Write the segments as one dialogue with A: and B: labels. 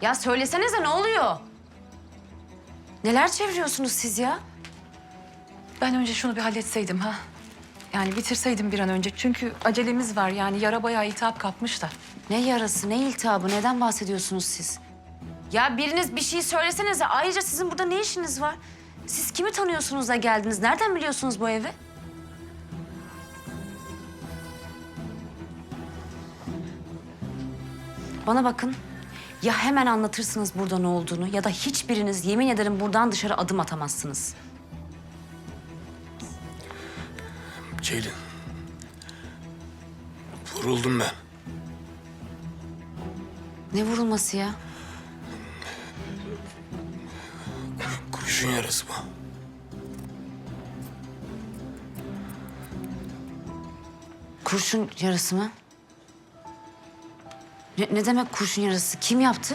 A: Ya söylesenize ne oluyor? Neler çeviriyorsunuz siz ya?
B: Ben önce şunu bir halletseydim ha. Yani bitirseydim bir an önce. Çünkü acelemiz var yani yara bayağı iltihap kapmış da.
A: Ne yarası, ne iltihabı, neden bahsediyorsunuz siz? Ya biriniz bir şey söylesenize. Ayrıca sizin burada ne işiniz var? Siz kimi tanıyorsunuz da geldiniz? Nereden biliyorsunuz bu evi? Bana bakın. Ya hemen anlatırsınız burada ne olduğunu ya da hiçbiriniz yemin ederim buradan dışarı adım atamazsınız.
C: Ceylin. Vuruldum ben.
A: Ne vurulması ya?
C: Kurşun yarası bu.
A: Kurşun yarası mı? Ne demek kurşun yarası? Kim yaptı?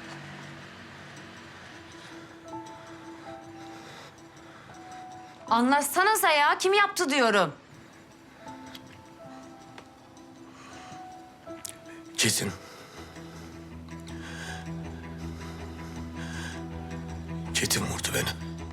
A: Anlatsanıza ya. Kim yaptı diyorum.
C: Çetin. Çetin vurdu beni.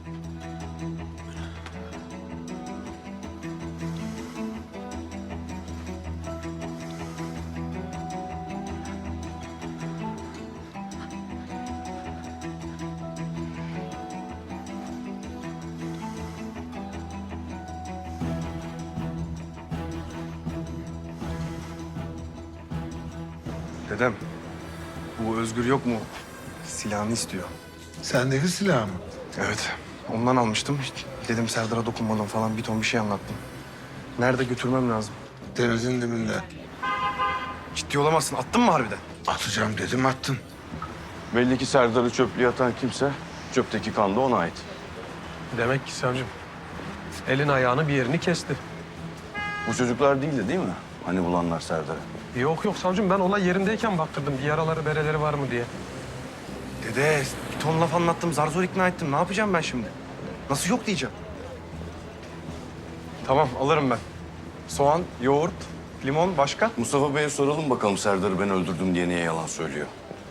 D: Dedem, bu Özgür yok mu? Silahını istiyor.
E: Sendeki silah mı?
D: Evet, ondan almıştım. Dedim Serdar'a dokunmadım falan bir ton bir şey anlattım. Nerede götürmem lazım?
E: Denizin dibinde.
D: Ciddi olamazsın. Attın mı harbiden?
E: Atacağım dedim attın.
F: Belli ki Serdar'ı çöplüğe atan kimse, çöpteki kan da ona ait.
G: Demek ki savcım elin ayağını bir yerini kesti.
F: Bu çocuklar değildi değil mi? Hani bulanlar Serdar'ı.
G: Yok yok savcım, ben olay yerindeyken baktırdım bir yaraları bereleri var mı diye.
D: Dede, bir ton laf anlattım. Zar zor ikna ettim. Ne yapacağım ben şimdi? Nasıl yok diyeceğim? Tamam, alırım ben. Soğan, yoğurt, limon, başka?
F: Mustafa Bey'e soralım bakalım Serdar'ı ben öldürdüm diye niye yalan söylüyor.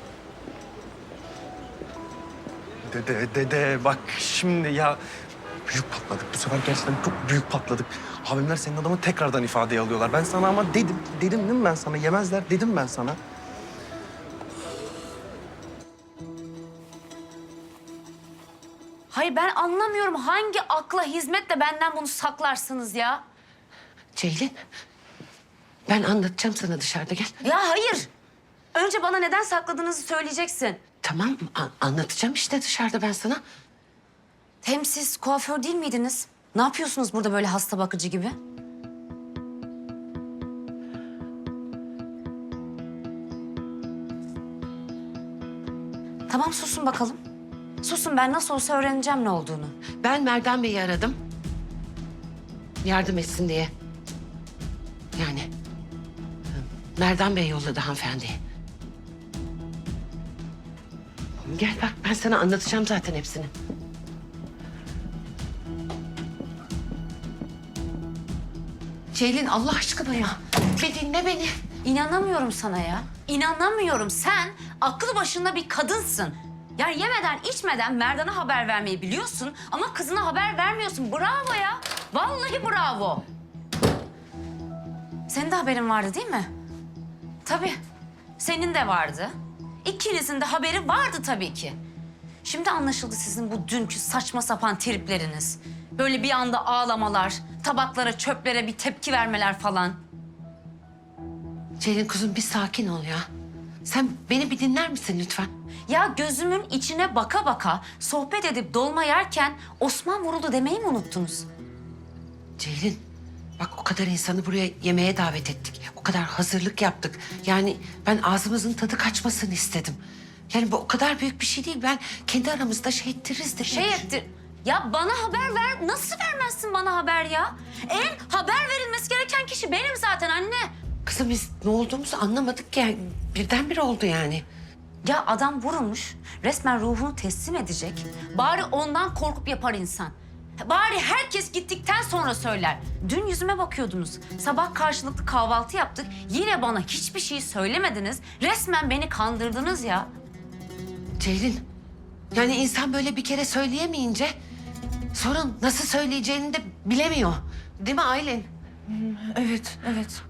D: Dede bak şimdi ya büyük patladık. Bu sefer gerçekten çok büyük patladık. Abimler senin adamı tekrardan ifadeye alıyorlar. Ben sana ama dedim değil mi ben sana? Yemezler dedim ben sana.
A: Hayır ben anlamıyorum. Hangi akla hizmetle benden bunu saklarsınız ya?
H: Ceylin, ben anlatacağım sana dışarıda gel.
A: Ya hayır. Önce bana neden sakladığınızı söyleyeceksin.
H: Tamam, anlatacağım işte dışarıda ben sana.
A: Hem siz kuaför değil miydiniz? Ne yapıyorsunuz burada böyle hasta bakıcı gibi? Tamam susun bakalım. Susun, ben nasıl olsa öğreneceğim ne olduğunu.
H: Ben Merdan Bey'i aradım. Yardım etsin diye. Yani Merdan Bey yolladı hanımefendiyi. Gel bak, ben sana anlatacağım zaten hepsini. Ceylin Allah aşkına ya. Bir dinle beni.
A: İnanamıyorum sana ya. İnanamıyorum. Sen aklı başında bir kadınsın. Yani yemeden içmeden Merdan'a haber vermeyi biliyorsun ama kızına haber vermiyorsun. Bravo ya. Vallahi bravo. Senin de haberin vardı değil mi? Tabii. Senin de vardı. İkinizin de haberi vardı tabii ki. Şimdi anlaşıldı sizin bu dünkü saçma sapan tripleriniz. Böyle bir anda ağlamalar, tabaklara, çöplere bir tepki vermeler falan.
H: Ceylin kuzum bir sakin ol ya. Sen beni bir dinler misin lütfen?
A: Ya gözümün içine baka baka sohbet edip dolma yerken Osman vuruldu demeyi mi unuttunuz?
H: Ceylin, bak o kadar insanı buraya yemeğe davet ettik. O kadar hazırlık yaptık. Yani ben ağzımızın tadı kaçmasını istedim. Yani bu o kadar büyük bir şey değil. Ben kendi aramızda şey ettiririz dedim.
A: Şey ettir. Ya bana haber ver. Nasıl vermezsin bana haber ya? En haber verilmesi gereken kişi benim zaten anne.
H: Kızım biz ne olduğumuzu anlamadık ki. Yani birdenbire oldu yani.
A: Ya adam vurulmuş. Resmen ruhunu teslim edecek. Bari ondan korkup yapar insan. Bari herkes gittikten sonra söyler. Dün yüzüme bakıyordunuz. Sabah karşılıklı kahvaltı yaptık. Yine bana hiçbir şey söylemediniz. Resmen beni kandırdınız ya.
H: Ceylin, yani insan böyle bir kere söyleyemeyince sonra nasıl söyleyeceğini de bilemiyor. Değil mi Aylin?
B: Evet, evet.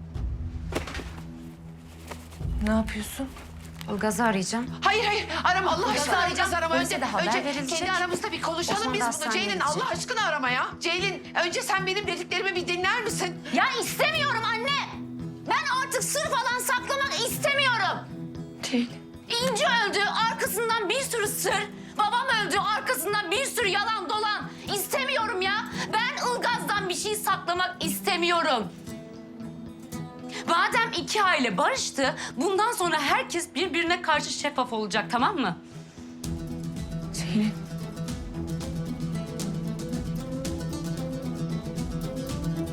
B: Ne yapıyorsun?
A: Ilgaz'ı arayacağım.
H: Hayır arama Allah
A: Ilgaz'ı
H: aşkına
A: arayacağım.
H: Ilgaz'ı arama.
A: Polise de haber
H: önce
A: verilecek.
H: kendi aramızda bir konuşalım
A: Osman
H: biz
A: da
H: bunu.
A: hastaneye
H: Ceylin
A: gidecek.
H: Allah aşkına arama ya. Ceylin önce sen benim dediklerimi bir dinler misin?
A: Ya istemiyorum anne. Ben artık sır falan saklamak istemiyorum.
B: Ceylin.
A: İnci öldü, arkasından bir sürü sır. Babam öldü, arkasından bir sürü yalan dolan. İstemiyorum ya. Ben Ilgaz'dan bir şey saklamak istemiyorum. Madem iki aile barıştı, bundan sonra herkes birbirine karşı şeffaf olacak, tamam mı?